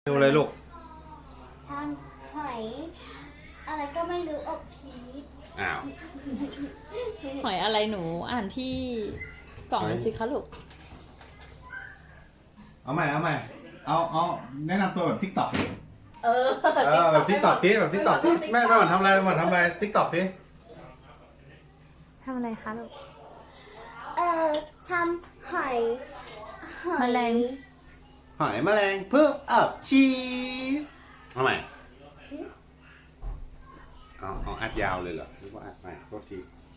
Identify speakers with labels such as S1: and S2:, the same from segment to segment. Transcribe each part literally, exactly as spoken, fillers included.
S1: ดูเลยลูก
S2: ทำหอยอะไรก็ไม่รู้อบชีส
S1: อ้าว
S3: หอยอะไรหนูอ่านที่กล่องเลยสิคะลูก
S1: เอาใหม่เอาใหม่เอาเอาแนะนำตัวแบบทิกตอก
S2: เออ
S1: เออแบบทิกตอกทีแบบทิกตอกทีแม่แม่หวันทำอะไรแม่หวันทำอะไรทิกตอกที
S3: ทำอะไรคะลูก
S2: เออทำหอยหอย
S3: แมลง
S1: หอยแมลงเพิ่มอัพชีสเอาใหม่เอาเอาอัดยาวเลยเหรอหรือว่าอัดใหม่โทษที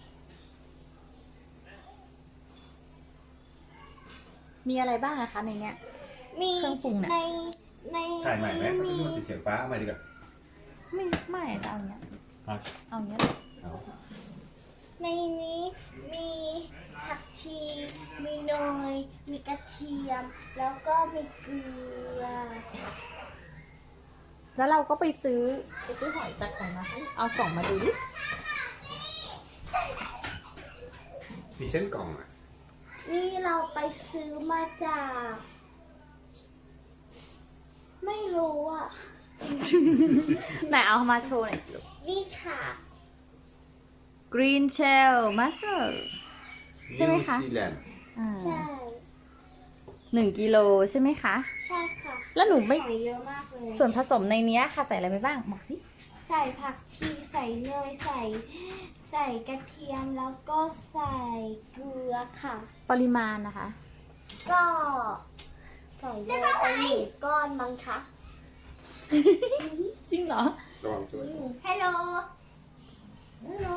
S3: มีอะไรบ้างอะคะในเนี้ย
S2: มี
S3: เครื่องปรุงเนี่ย
S2: ในใน
S1: ถ่ายใหม่ไหม
S2: มี
S1: มันติดเสียงฟ้าเอาใหม่ดีกว่า
S3: ไม่ไม่จะเอาอย่างเงี้ย
S1: เอา
S3: เอาอย่างเงี้ย
S1: เอา
S2: ในนี้มีผักชีมีเนยมีกระเทียม แล้วก็มีเกลือ
S3: แล้วเราก็ไปซื้อไปซื้อหอยจากไหนมาคะเอากล่องมาดูดิ
S1: มีเส้นกล่องอ่ะ
S2: นี่เราไปซื้อมาจาก ไม่รู้อ่ะ
S3: ไหนเอามาโชว์หน่อยสิลูก
S2: นี่ค่ะ
S3: Green Shell Mussel ใช่ไหมคะ
S1: นิวซีแลนด์
S3: อ่า
S2: ใช่
S3: หนึ่งกิโลใช่ไหมคะ
S2: ใช่ค่ะ
S3: แล้วหนูไม่
S2: หอยเยอะมากเลย
S3: ส่วนผสมในเนี้ยค่ะใส่อะไรไปบ้างบอกสิ
S2: ใส่ผักชีใส่เนยใส่ ใส่กระเทียมแล้วก็ใส่เกลือค่ะ
S3: ปริมาณนะคะ
S2: ก็ใส่เยอะไปหนึ่งก้อนมั้งคะ
S3: จริงเหรอ
S1: ระวังช่วย
S2: ฮัลโหลฮัลโหล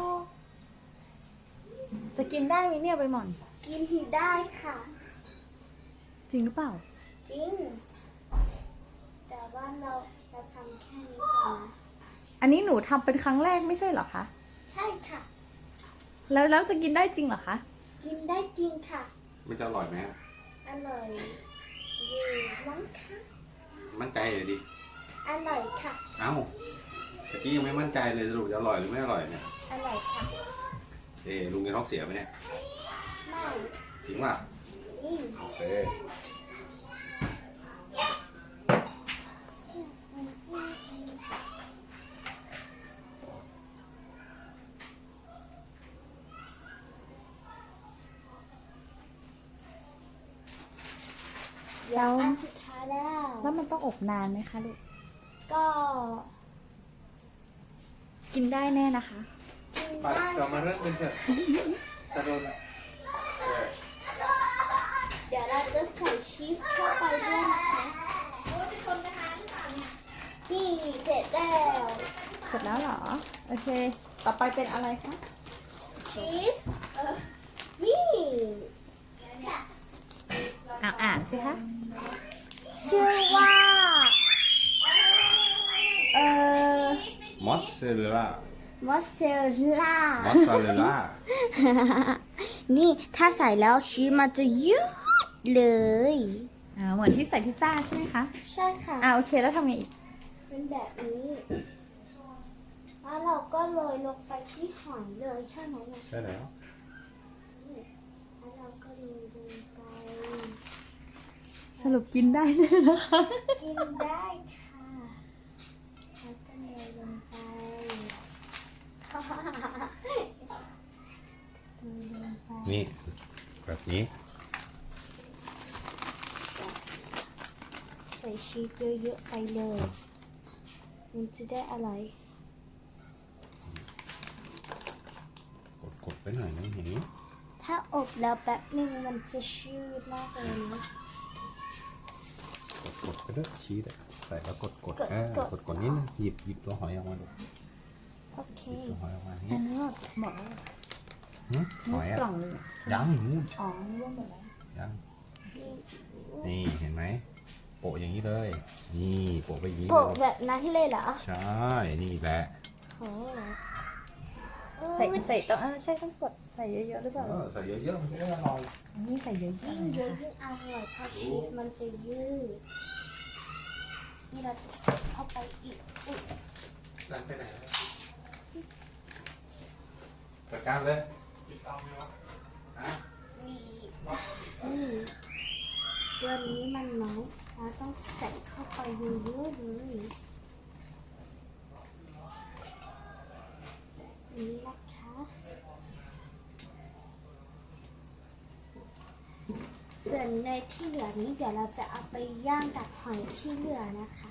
S3: จะกินได้ไหมเนี่ยใบหม่อน
S2: กินได้ค่ะ
S3: จริงหรือเปล่า
S2: จริง แต่ว่าเราเราทำแค่นี้ก่อนนะ
S3: อันนี้หนูทำเป็นครั้งแรกไม่ใช่เหรอคะ
S2: ใช่ค่ะ
S3: แล้วแล้วจะกินได้จริงเหรอคะ
S2: กินได้จริงค่ะ
S1: มันจะอร่อยไหม
S2: อร่อยอยู่มั้งคะ
S1: มั่นใจเลยดิ
S2: อร่อยค่ะ
S1: เอ้าตะกี้ยังไม่มั่นใจเลยสรุปจะอร่อยหรือไม่อร่อยเนี่ย
S2: อร่อยค่ะ
S1: เอ๊ะลุงจะท้องเสียไหมเนี่ย
S2: ไม่
S1: จริงป่ะ
S2: อืม
S1: โอเค
S2: เดี๋ยวอันสุดท้ายแล้ว
S3: แล้วมันต้องอบนานไหมคะลูก
S2: ก็
S3: กินได้แน่นะคะ
S2: กิน
S4: ไป
S2: ได้
S4: เรามาเริ่มกันเถอะสะดน
S2: เดี๋ยวเราจะใส่ชีสเข้าไปด้วยนะคะนี่เสร็จแล้ว
S3: เสร็จแล้วเหรอ โอเค ต่อไปเป็นอะไรคะ
S2: ชีสเออนี่
S3: อ่าอ่านสิคะ
S2: ชื่อว่า เอ่อ
S1: มอสซาเรลล่าม
S2: อสเซลล่าม
S1: อสซาเรลล่า
S2: นี่ถ้าใส่แล้วชีสมันจะยืดเลย
S3: อ่า เหมือนที่ใส่พิซซ่าใช่ไหมคะ
S2: ใช่ค่ะ
S3: อ่าโอเค แล้วทำไงอีก
S2: เป็นแบบนี้ แล้วเราก็โรยลงไปที่หอยเลยใช่ไหมเนี่ย
S1: ใช่แล้ว
S2: แล้วเราก็โรยลงไป
S3: สรุปกินได้แน่นะคะ
S2: กินได้ค่ะ แล้วก็โรยลงไปโรยลงไป
S1: นี่แบบนี้
S2: ใส่ชีสเยอะๆไปเลย มันจะได้อร่อย
S1: กดกดไปหน่อยนะเห็นไหม
S2: ถ้าอบแล้วแป๊บหนึ่งมันจะชืดมากเลยนะ
S1: กดกดไปด้วยชีสอะใส่แล้วกดกด
S2: กด
S1: เออก
S2: ด
S1: กดกดนิดนึงหยิบหยิบตัวหอยออกมาดู
S2: โอเค
S1: หยิบตัวหอยออกมา
S3: อั
S1: เนี่ย
S3: นนี้หมดแล้ว
S1: หึหอยอะ
S3: กล่องหนึงอะใช่ไหม
S1: ยังนู่น
S3: อ๋อนี่ว่าหมดแล้ว
S1: ยังนี่เห็นไหมโปะอย่างนี้เลย นี่โปะไปอย่างนี้
S2: โปะ
S1: เลย
S2: แบบนั้นเลยเหรอ
S1: ใช่นี่แหละ
S2: โอ้
S3: ใส่ใส่ต้องเออใช่ต้องกดใส่เยอะๆหรือเปล่า
S1: เออใส่เยอะๆมันจะได้อร่อย
S3: อันนี้ใส่เยอะ
S2: ยิ่งเยอะยิ่งอร่อยเพราะชีสมันจะยืด นี่เราจะใส่เข้าไปอีกอุ๊ย
S1: นั่นไปไหนจัดการเลยฮะ
S2: มีอืมตัวนี้มันน้อยเราต้องใส่เข้าไปเยอะๆเลยนี่นะคะส่วนเนยที่เหลือนี้เดี๋ยวเราจะเอาไปย่างกับหอยที่เหลือนะคะ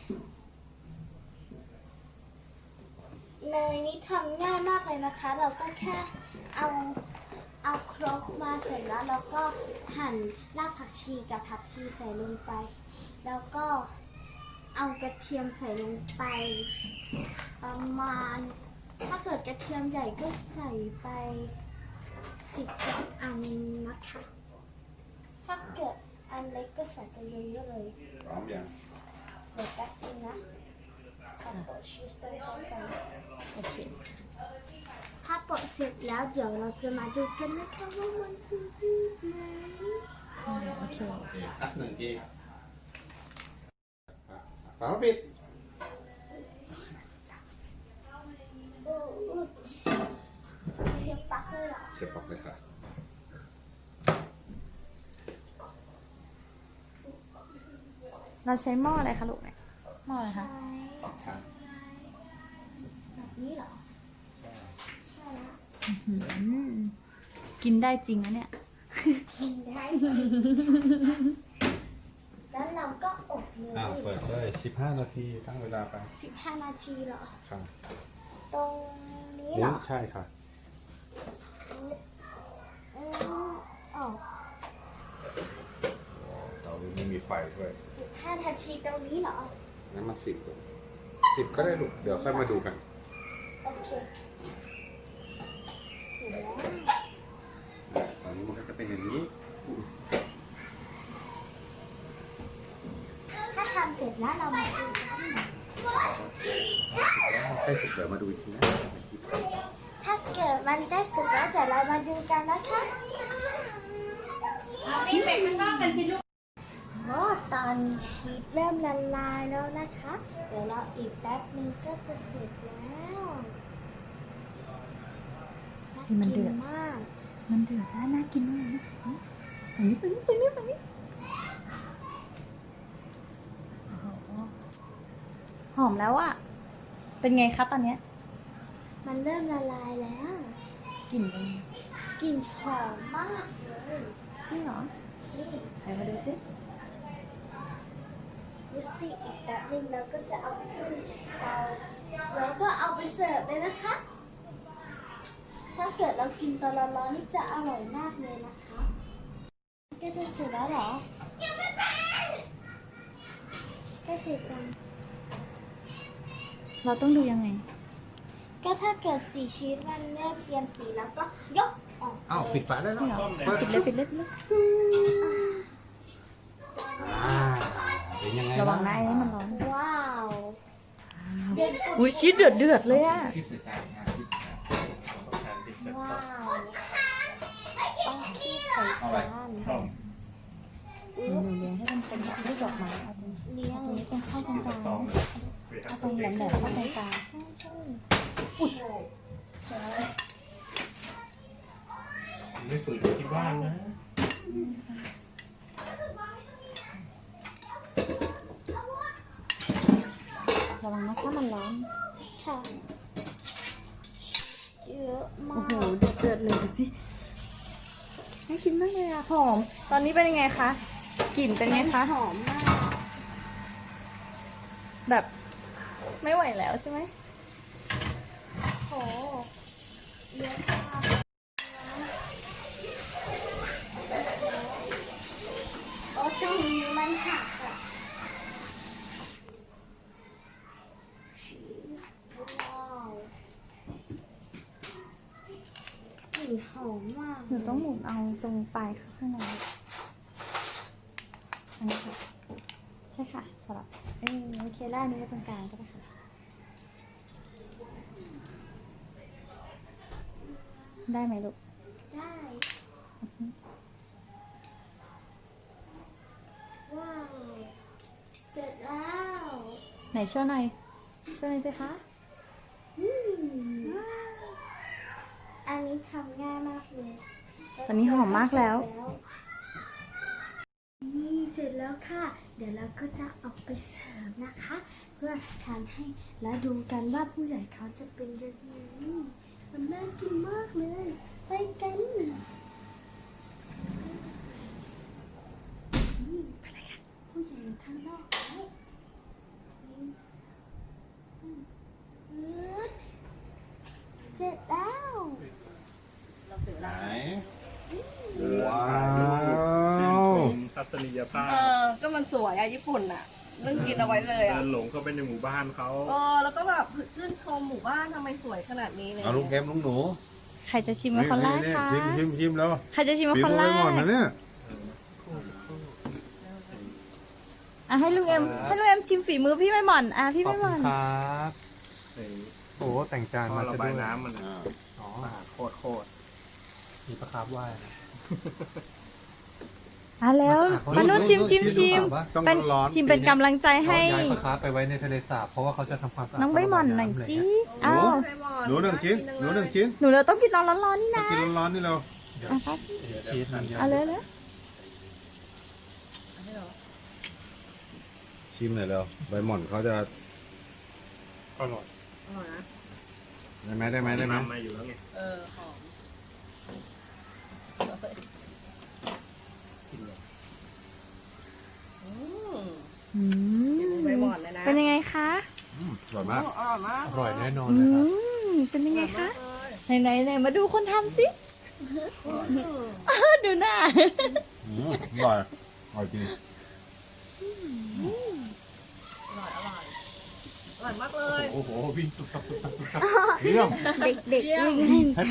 S2: เนยนี้ทำง่ายมากเลยนะคะ เราก็แค่เอาเอาครกมาเสร็จแล้วเราก็หั่นรากผักชีกับผักชีใส่ลงไป แล้วก็เอากระเทียมใส่ลงไป ประมาณถ้าเกิดกระเทียมใหญ่ก็ใส่ไปสิบอันนะคะ ถ้าเกิดอันเล็กก็ใส่ไปเยอะๆเลย
S1: พร้อมยัง
S2: เดี๋ยวแป๊บนึงนะขอโปะชีสต้นก่อน
S3: โอเค
S2: ถ้าโปะเสร็จแล้วเดี๋ยวเราจะมาดูกันนะคะว่ามันจะยืดไหม
S3: อ่าโอเค
S1: โอเคคัดหนึ่งทีฝาปิด
S2: โอ้อุ๊ยเสียบปลั๊กเลยเหรอ
S1: เสียบปลั๊กเลยค่ะ
S3: เราใช้หม้ออะไรคะลูกเนี่ยหม้ออะไรคะ
S2: ใช่
S1: ค่ะ
S2: แบบนี้เหรอ ใช่แล้ว
S3: อืมกินได้จริงนะเนี่ย
S2: กินได้จริงแล้วเราก็อบเล
S1: อ้าวย เปิดเลยสิบห้านาทีตั้งเวลาไป
S2: สิบห้านาทีเหรอ
S1: ค่ะ
S2: ตรงนี้เหร
S1: นี่
S2: อ
S1: ใช่ค่ะ
S2: อืมอ๋อ
S1: เตาไม่มีไฟด้วย
S2: สิบห้านาทีตรงนี้เหรอ
S1: งั้นมาสิบสิบก็ได้ลูกเดี๋ยวค่อยมาดูกัน
S2: โอเค เสร็จแล้ว
S1: ตอนนี้มันก็จะเป็นอย่างนี้
S2: ถ้าทำเสร็จแล้วเรามาดูกัน
S1: ใกล้สุดเดี๋ยวมาดูอีกทีนะ
S2: ถ้าเกิดมันได้สุกแล้วเดี๋ยวเรามาดูกันนะคะ
S3: เอาวิ่งไปข้างนอกกันสิลูก
S2: โอ้ตอนนี้ชีสเริ่มละลายแล้วนะคะ เดี๋ยวเราอีกแป๊บนึงก็จะเสร็จแล้ว
S3: สิมันเดือด
S2: ากิมาก
S3: มันเดือดแล้วน่ากินมากเลยนะฝั่งนี้ฝั่งนี้ฝั่งนี้ฝั่งนี้โอ้โหหอมแล้วอะเป็นไงคะตอนเนี้ย
S2: มันเริ่มละลายแล้ว
S3: กลิ่นเป็นไง
S2: กลิ่นหอมมากเลย
S3: จริงเหรอ
S2: นี่
S3: ไหนมาดูสิ
S2: ดูสิอีกแป๊บนึงเราก็จะเอาขึ้นเตาแล้วก็เอาไปเสิร์ฟเลยนะคะ ถ้าเกิดเรากินตอนร้อนๆนี่จะอร่อยมากเลยนะคะก็จะเสร็จแล้วเหรอก็เสร็จแล้ว
S3: เราต้องดูยังไง
S2: ก็ถ้าเกิดสีชีสมันเริ่มเปลี่ยนสีแล้วก็ยกออก
S1: อ้าวปิดฝาได้
S3: จริงเหร
S1: แล้
S3: อ
S1: วเปิด
S3: ปิดเลยปิดเลยปิดเลย
S1: อ่าเป็นยังไง
S3: ระวังนะไอ้นี่มันร้อน
S2: ว้าวเดือด
S3: อุ้ยชีสเดือดเดือดเลยอะ
S4: คลิปสุดท้ายนะคลิปสุดท้ายของการที่จะ
S2: ว้าวต้องคีบใส่
S4: เอาไว้
S2: จาน
S4: ช่อง
S3: หนูเลี้ยงให้มันเป็นแบบรูปดอกไม้เอาตรง
S2: เลี้ยง
S3: นี้ตรงเข้าตรงกลาง
S4: ตอง
S3: เอาตรงแหลมๆเข้าตรงกลางใช่ใช่
S4: ไม่ฝืนที่บ้านนะ
S3: ระวังนะคะมันร้อน
S2: ค่ะเยอะมา
S3: โอ้
S2: ก
S3: โหเดือดเดือดเลยดูสิน่ากินมากเลยอะหอม ตอนนี้เป็นยังไงคะ กลิ่นเป็นไงคะ
S2: หอมมาก
S3: แบบไม่ไหวแล้วใช่ไหม
S2: โหเยอะมากโอ้ตรงนี้มันหักอะชีสว้าวกลิ่นหอมมาก
S3: หนูต้องหมุนเอาตรงปลายข้างในอันนี้ค่ะ ใช่ค่ะสลับเออโอเคได้อันนี้ไว้ตรงกลางก็ได้ค่ะ ได้ไหมลูก
S2: ได้ ว้าว เสร็จแล้ว
S3: ไหนช่วยหน่อยช่วยหน่อยสิคะ
S2: อืมอันนี้ทำง่ายมากเลย
S3: ตอนนี้หอมมากแล้ว
S2: นี่เสเสร็จแล้วค่ะ เดี๋ยวเราก็จะเอาไปเสิร์ฟนะคะ เพื่อทานให้แล้วดูกันว่าผู้ใหญ่เขาจะเป็นยังไงมันน่ากินมากเลย ไปกันนี่ไปเลยค่ะผู้ใหญ่อยู่ข้างนอกแล้วหนึ่งสองสามฮึดเสร็จแล้ว
S1: ไหน
S4: ว้า
S1: ว้าว
S4: วทัศนียภาพ
S3: เออ ก็มันสวยอะญี่ปุ่นอะเรื่องกินเอาไว้เลย
S4: เดิ
S3: อะ
S4: นหลงเข้าไปในหมู่บ้านเขา
S3: เออแล้วก็แบบชื่นชมหมู่บ้านทำไมสวยขนาดนี้เลย
S1: เอาลูกเข็มลูกหนู
S3: ใครจะชิมเป็นคนแรกคะ
S1: ชิมชิมชิมแล้ว
S3: ใครจะชิมเป็น
S1: ฝี
S3: คน
S1: มือ
S3: แร
S1: ไปหมด
S3: ก
S1: นะเนี่ย
S3: อ่ะให้ลุงเอ็มให้ลุงเอ็มชิมฝีมือพี่ไม่หม่อนอ่ะพี่
S1: ขอบ
S3: ไม่ห
S1: คุ
S3: ม่อ
S1: ณ
S3: น
S1: ครับ
S4: ไอ้
S1: โอ้แต่งจาน
S4: ท่อ
S1: มา
S4: ระ
S1: ซะ
S4: บา
S1: ด้วย ย
S4: น้ำมัน
S1: อ่าอ๋อ
S4: สะอาดโคตรโคตร
S1: มีปลาคาร์ฟว่ายนะ
S3: อ่ะแล้วมานุ่นชิมชิมชิม
S1: ต้อง
S3: เป็น
S1: ร้อน
S3: ชิมเป็นกำลังใจให้
S1: ย้ายปลาคาร์ฟไปไว้ในทะเลสาบเพราะว่าเขาจะทำความสะอาด
S3: น้องใบหม่อนหน่อยจีอ้าว
S1: หนูหนึ่งชิ้นหนูหนึ่งชิ้น
S3: หนูเราต้องกินตอนร้อนๆนี่
S1: มา
S3: นะ
S1: กินร้อนๆนี่เรา
S3: อ่ะครับ
S1: ชีสมันเยอะ
S3: เอาเลยเลย
S1: ชิมหน่อยเร็วใบหม่อนเขาจะ
S4: อร่อย
S1: ได้ไหมได้ไหมได้ไหม
S4: น้ำมาอยู่แล้วไง
S3: เออหอม
S2: อืม
S3: ใบหม่อนเลยนะ
S2: เป็นยังไงคะ
S1: อืมอร่อยมาก
S3: อร่อยมาก
S1: อร่อยแน่นอน
S2: อื
S1: เลยครับ
S2: ม เป็นยังไงคะ ไหนไหนไหนมาดูคนทำสิ ดูหน้า
S1: อืมอร่อยอร่อยจริง
S3: อร่อยอร่อยอร่อยมากเลย
S1: โอ้โหวิ่งตุ๊บตับตุ๊บตับตุ๊บตับเยี่ยม
S2: เด็กๆวิ่งเล่น